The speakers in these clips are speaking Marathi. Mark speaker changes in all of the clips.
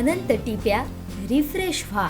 Speaker 1: अनंत टिप्या रिफ्रेश व्हा.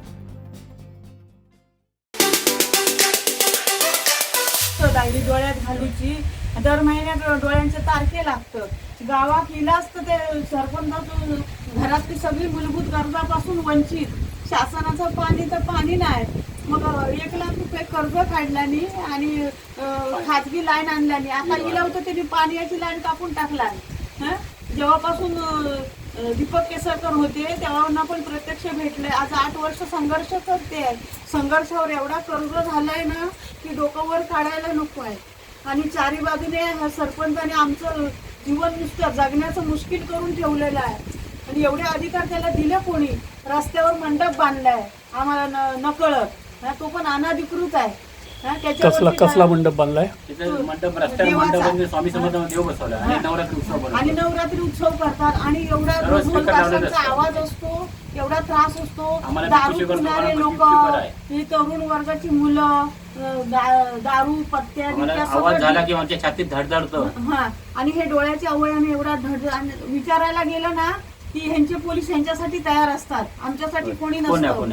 Speaker 2: डायरी डोळ्यात घालूची दर महिन्यात डोळ्यांचे तारखे लागतं. गावात इलाज तर ते सरपंच घरातली सगळी मूलभूत गरजापासून वंचित. शासनाचं पाणी तर पाणी नाही. मग 1 लाख रुपये कर्ज काढल्यानी आणि खाजगी लाईन आणल्यानी आता इला होतं त्यांनी पाण्याची लाईन कापून टाकला. जेव्हापासून दीपक केसरकर होते तेव्हा पण प्रत्यक्ष भेटले. आज 8 वर्ष संघर्ष करते. संघर्षावर एवढा कर्ज झालाय ना की डोकं वर काढायला नको आहे. आणि चारी बाजूने सरपंचाने आमचं जीवन नुसतं जगण्याचं मुश्किल करून ठेवलेलं आहे. आणि एवढे अधिकार त्याला दिले कोणी? रस्त्यावर मंडप बांधलाय आम्हाला नकळत. तो पण अनधिकृत आहे.
Speaker 3: कसला मंडप बांधलाय?
Speaker 2: स्वामी समर्थ देव बसवला आणि नवरात्री उत्सव करतात. आणि एवढा ढोल ताशांचा आवाज असतो, एवढा त्रास असतो. दारू पिणारे लोक, ही तरुण वर्गाची मुलं दारू पत्त्या
Speaker 4: छातीत धडधडतो.
Speaker 2: आणि हे डोळ्याच्या अवयवाने एवढा विचारायला गेलं ना की ह्यांचे पोलीस ह्यांच्यासाठी तयार असतात, आमच्यासाठी कोणी नसतं.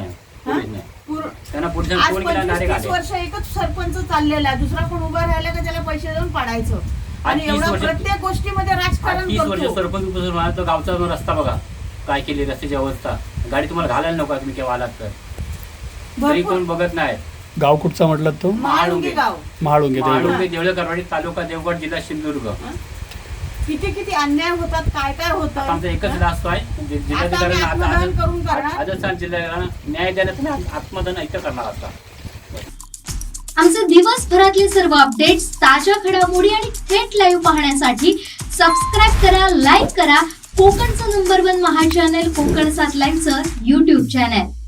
Speaker 2: आज 25-30 वर्ष एकच सरपंच चाललेला आहे. दुसरा कोण उभा राहिला का त्याला पैसे देऊन पाडायचं. आणि एवढं प्रत्येक गोष्टीमध्ये राजकारण
Speaker 4: 30 वर्ष सरपंच गावचा रस्ता बघा काय केली, रस्त्याची अवस्था. गाडी तुम्हाला घालायला नको तुम्ही केव्हा आलात तर. तरी कोण बघत नाही.
Speaker 3: गाव कुठचा म्हटलं तो?
Speaker 2: महाळुंगे गाव.
Speaker 3: महाळुंगे
Speaker 4: देवळकरवाडी तालुका देवगड जिल्हा सिंधुदुर्ग.
Speaker 2: किती अन्याय होतात, काय होतात.
Speaker 4: आमचा एकच रास्त आहे जिल्हाधिकाऱ्यांना जिल्ह्याला न्याय देण्याचा आत्मदान इथं करणार आता.
Speaker 5: आमचे दिवसभरातले सर्व अपडेट्स, ताज्या घडामोडी आणि थेट लाईव्ह पाहण्यासाठी सबस्क्राईब करा, लाईक करा कोकणचं नंबर 1 महा चॅनल कोकण 7 लाईव्हचं YouTube चॅनल.